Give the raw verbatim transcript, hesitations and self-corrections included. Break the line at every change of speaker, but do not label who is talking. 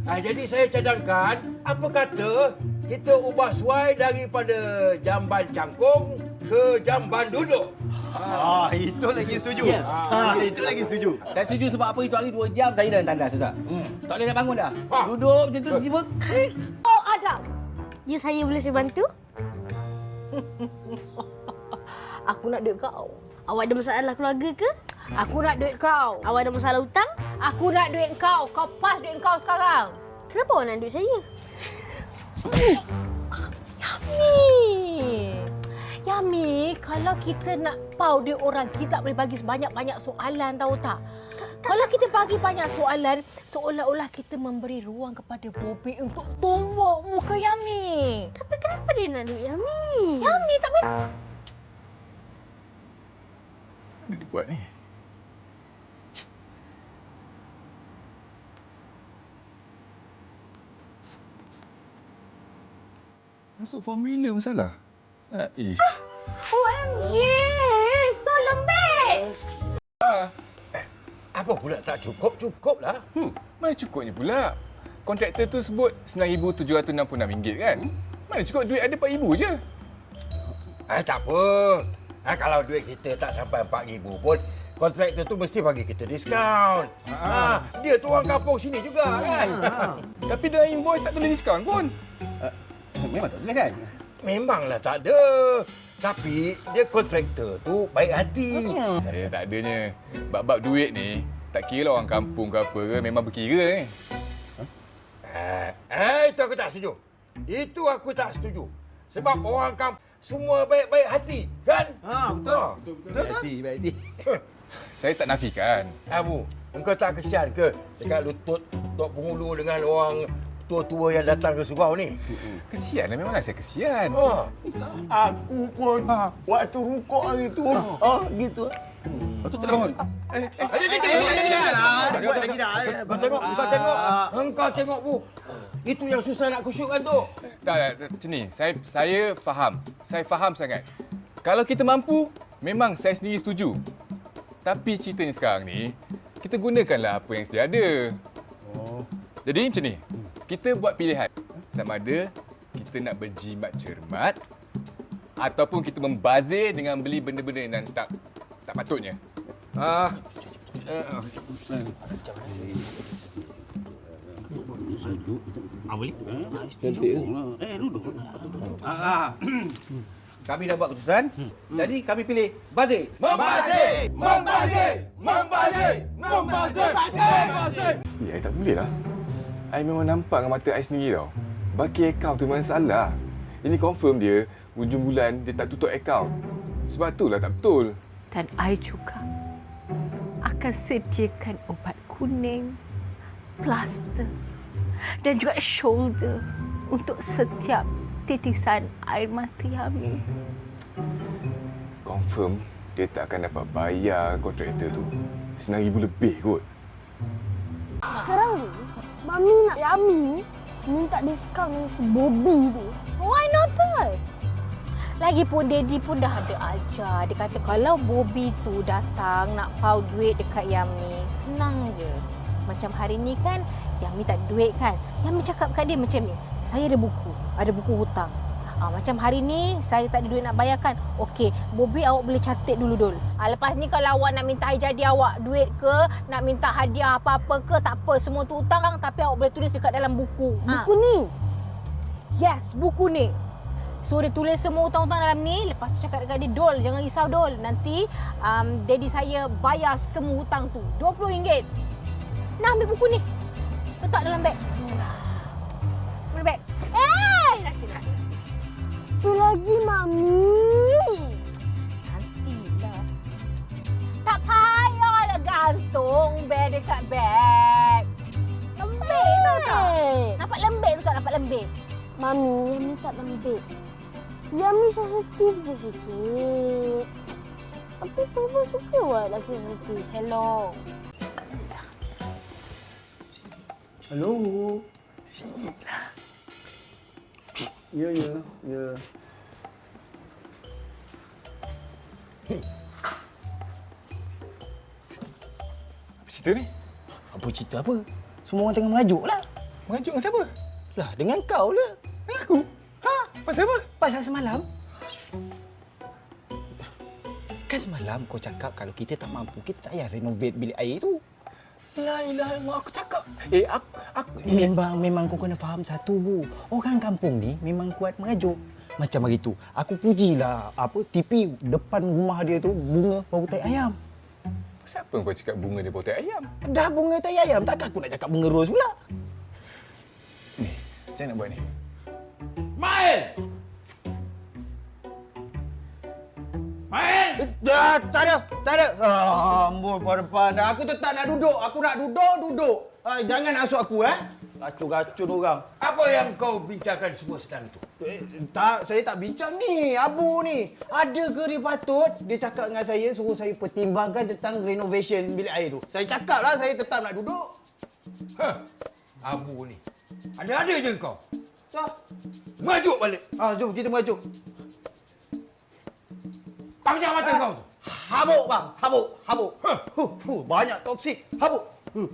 Ah, jadi saya cadangkan, apa kata kita ubah suai daripada jamban cangkung ke jamban duduk.
Ah, itu lagi setuju.
Ya.
Ah, itu lagi setuju.
Saya setuju sebab apa itu hari dua jam saya dah tandas sudah. Hmm. Tak boleh nak bangun dah.
Ha.
Duduk macam tu tiba-tiba krik.
Oh, Adam. Ya, saya boleh saya bantu? Aku nak duit kau. Awak ada masalah keluarga ke? Aku nak duit kau. Awak ada masalah hutang? Aku nak duit kau. Kau pas duit kau sekarang. Kenapa awak nak duit saya? Yami. Yami, kalau kita nak pau duit orang, kita tak boleh bagi sebanyak-banyak soalan, tahu tak? Kalau kita bagi banyak soalan, seolah-olah kita memberi ruang kepada Bobby untuk tumbuk muka Yami. Tapi kenapa dia nak duit Yami? Yami tak boleh.
Apa dia buat ni? Masuk formula masalah. Ah, ish.
O M G! So lembek!
Ah,
Apa pula tak cukup? Cukuplah.
hmm, mana cukupnya pula? Kontraktor tu sebut sembilan ribu tujuh ratus enam puluh enam ringgit kan? Mana cukup duit ada empat ribu je.
Ah, tak apa. Ah, kalau duit kita tak sampai empat ribu pun, kontraktor tu mesti bagi kita diskaun. Ah, dia tu orang kampung sini juga kan?
Tapi dalam invoice tak tulis diskaun pun.
Memang tak boleh kan?
Memanglah tak ada. Tapi dia kontraktor tu baik hati.
Eh, tak adanya. Bab-bab duit ni, tak kira lah orang kampung ke apa ke, memang berkira ni.
Eh, eh, itu aku tak setuju. Itu aku tak setuju. Sebab orang kampung semua baik-baik hati, kan?
Ha, betul.
Ha.
Betul, betul. Baik hati, baik hati.
Saya tak nafikan.
Abu, engkau tak kesian ke dekat lutut Tok Pengulu dengan orang tua-tua yang datang ke surau ni?
Kesian lah, memanglah saya kesian.
Ha.
Aku pun waktu rukuk hari tu. Ah, gitu.
Lepas tu terbangun.
Eh, eh, eh,
Buat lagi dah.
Kau tengok, kau tengok. Engkau tengok, Bu. Itu yang susah nak kusyukkan tu.
Tak, tak, tak, macam ni. Saya, saya faham. Saya faham sangat. Kalau kita mampu, memang saya sendiri setuju. Tapi ceritanya sekarang ni, kita gunakanlah apa yang sedia ada. Oh. Jadi macam ni, kita buat pilihan. Sama ada kita nak berjimat cermat ataupun kita membazir dengan beli benda-benda yang tak tak patutnya.
Ah,
Ah, boleh?
Cantik ke?
Eh, duduk. Ah, kami dah buat keputusan. Jadi kami pilih Bazir.
membazir, membazir, membazir, membazir, membazir.
Ya, tak boleh lah. I memang nampak dengan mata I sendiri tau. Baki akaun tu memang salah. Ini confirm dia, hujung bulan dia tak tutup akaun. Sebab itulah tak betul.
Dan I juga akan sediakan ubat kuning, plaster dan juga shoulder untuk setiap titisan air mata Yami.
Confirm dia tak akan dapat bayar kontraktor tu. sembilan ribu lebih kot.
Sekarang ni, Mami nak Yami minta diskaun dengan si Bobby tu. Why not that? Lagipun Daddy pun dah ada ajar. Dia kata kalau Bobby tu datang nak pau duit dekat Yami, senang je. Macam hari ni kan, Yami tak ada duit kan. Yami cakap kat dia macam ni, saya ada buku, ada buku hutang. Ha, macam hari ni, saya tak ada duit nak bayarkan. Okey, Bobby awak boleh catat dulu, Dul. Ha, lepas ni kalau awak nak minta hari jadi awak duit ke, nak minta hadiah apa-apa ke, tak apa. Semua tu hutang, tapi awak boleh tulis dekat dalam buku. Buku ha. ni? Yes, buku ni. So, dia tulis semua hutang-hutang dalam ni. Lepas tu cakap dekat dia, Dul, jangan risau, Dul. Nanti, um, daddy saya bayar semua hutang tu. dua puluh ringgit. Nah, ambil buku ni. Letak dalam beg. Ambil beg. Eh! Nanti-nanti. Tu lagi, Mami. Nantilah. Tak payahlah gantung beg dekat beg. Lembik tau tak? Nampak lembik tu tak? Nampak lembik? Mami, Yami tak lembik. Yami sensitif je sikit. Tapi Papa suka buat lelaki sensitif. Hello.
Hello. Sinilah. Ya, ya, ya.
Apa cerita ni?
Apa cerita apa? Semua orang tengah merajuk lah.
Merajuk dengan siapa?
Lah, dengan kau lah.
Dengan aku? Ha? Pasal apa?
Pasal semalam. Kan semalam kau cakap kalau kita tak mampu, kita tak payah renovate bilik air tu.
La ilaha illallah, aku cakap.
Eh, aku, aku memang memang kau kena faham satu, Bu. Orang kampung ni memang kuat merajuk. Macam hari tu, aku pujilah apa T P depan rumah dia tu bunga bau tai ayam.
Siapa kau cakap bunga dia bau tai ayam?
Dah bunga tai ayam, takkan aku nak cakap bunga ros pula.
Ni, macam mana nak buat ni?
Mail! Mail!
Eh, dah, tak ada, tak ada. Ah, ambul pada depan. Aku tetap nak duduk. Aku nak duduk, duduk. Ah, jangan asuk aku, eh. Racun-racun orang.
Apa yang kau bincangkan semua sedang itu?
Eh, tak, saya tak bincang ni. Abu ni. Ada ke dia patut dia cakap dengan saya suruh saya pertimbangkan tentang renovation bilik air tu. Saya cakap lah saya tetap nak duduk.
Hah, Abu ni. Ada-ada je kau.
So,
Merajuk balik.
ah, jom kita merajuk.
Pamjang mata kau tu.
Habuk bang, habuk, habuk. Huh, huh, huh, banyak toksik. Habuk. Huh.